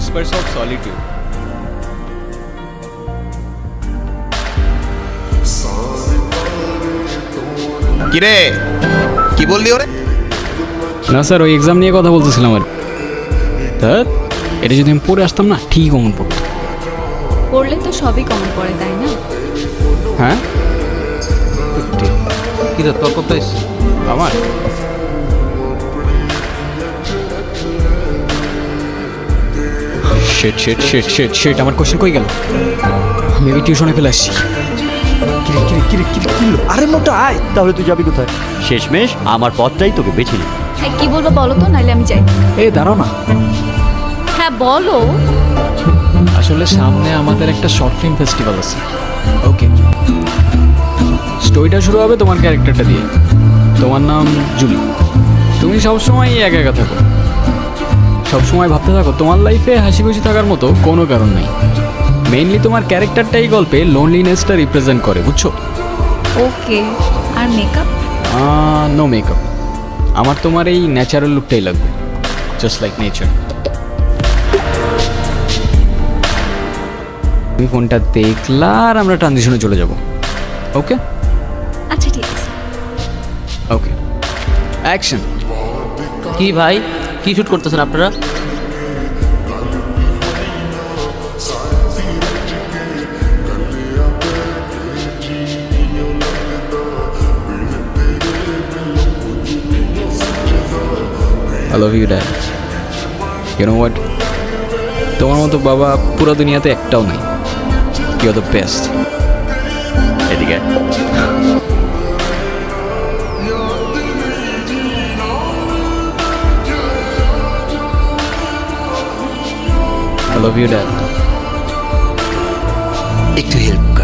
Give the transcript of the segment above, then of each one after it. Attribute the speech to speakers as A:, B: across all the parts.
A: whispers of solitude.
B: কিরে কি বললি ওরে?
A: না স্যার, ওই এক্সাম নিয়ে কথা বলতেছিলাম আর স্যার, এটা যদি আমি পড়ে আসতাম না ঠিক কমন পড়তো।
C: পড়লে তো সবই কমন পড়ে, তাই না?
A: হ্যাঁ,
B: কিরে তোর কত এসছে?
A: আমার শেট শেট শেট শেট শেট আমার কোশ্চেন কই গেল? আমি টিউশনে ফেলে আসছি।
D: আরে মোটা আয়, তাহলে তুই যাবি কোথায়?
E: শেষমেশ আমার পথটাই তোকে বেছে নিই।
C: হ্যাঁ, কি বলবো বলো তো, নাইলে আমি যাই।
A: এ দাঁড়াও না,
C: হ্যাঁ বলো।
A: আসলে সামনে আমাদের একটা শর্ট ফিল্ম ফেস্টিভ্যাল আছে। ওকে, স্টোরিটা শুরু হবে তোমার ক্যারেক্টারটা দিয়ে। তোমার নাম জুলি। তুমি সবসময় একা একা থাকো, সবসময় ভাবতে থাকো তোমার লাইফে হাসি খুশি থাকার মতো কোনো কারণ নেই। মেইনলি তোমার ক্যারেক্টারটাই গল্পে লোনলিনেসটা রিপ্রেজেন্ট করে, বুঝছো?
C: ওকে, আর মেকআপ?
A: No makeup. আমার তোমার এই ন্যাচারাল লুকটাই লাগবে, জাস্ট লাইক নেচার। তুমি ফোনটা দেখলা আর আমরা ট্রানজিশনে চলে যাব। ওকে
C: আচ্ছা ঠিক আছে।
A: Okay, action.
E: কি ভাই, কি শুট করতেছেন আপনারা?
A: I love you, Dad. You know what? তোমার মতো বাবা পুরো দুনিয়াতে একটাও নাই। You're the best.
E: এদিকে
A: I love you, Dad.
B: একটু হেল্প কর।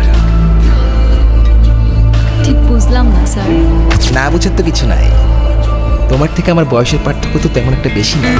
C: ঠিক বুঝলাম না স্যার।
B: না বুঝার তো কিছু নাই, তোমার থেকে আমার বয়সের পার্থক্য তো তেমন একটা বেশি না।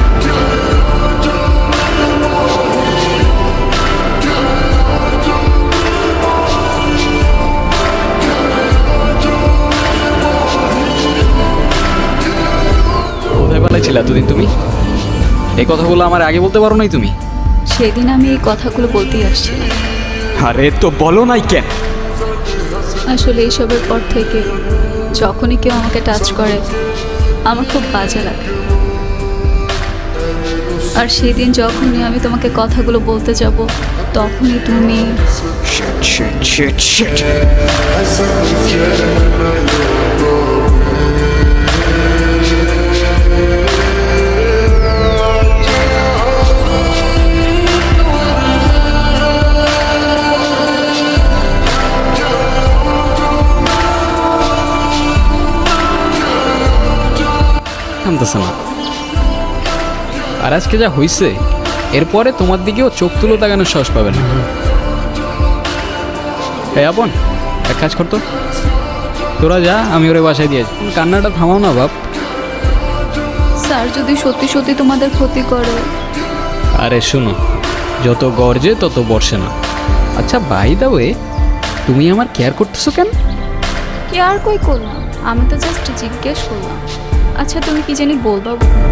A: কোথায় পালাইছিলে এতদিন তুমি? এই কথাগুলো আমার আগে বলতে পারো নাই তুমি?
C: সেদিন আমি এই কথাগুলো বলতেই আসছিলাম।
A: আরে তো বলো নাই কেন?
C: আসলে এইসবের পর থেকে যখনই কেউ আমাকে টাচ করে আমার খুব বাজে লাগে। আর সেদিন যখনই আমি তোমাকে কথাগুলো বলতে যাব তখনই তুমি
A: Shit, shit, shit, shit. থামতেছে না। আর আজকে যা হইছে, এরপরে তোমার দিকেও চোখ তুলো তাকানোর সাহস পাবে না। এই আপন, এক কাজ করতো, তোরা যা, আমি ওরে বাসায় দিয়ে যাই। কান্নাটা থামাও না বাপ।
C: স্যার যদি সত্যি সত্যি তোমাদের ক্ষতি করে?
A: আরে শোনো, যত গর্জে তত বর্ষে না। আচ্ছা বাই দা ওয়ে, তুমি আমার কেয়ার করতেছো কেন?
C: কি আর কই করলাম, আমি তো জাস্ট জিজ্ঞেস করলাম। আচ্ছা তুমি কি জানি বলবা?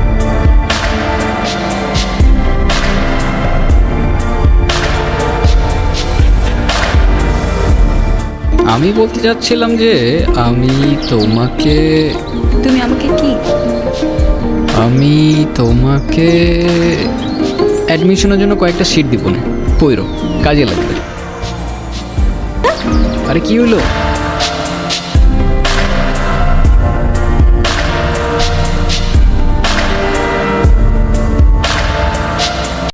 A: আমি বলতে চাচ্ছিলাম যে আমি তোমাকে
C: তুমি আমাকে কি?
A: আমি তোমাকে অ্যাডমিশনের জন্য কয়েকটা সিট দিব না, পইরো, কাজে লাগবে। আরে কি হলো?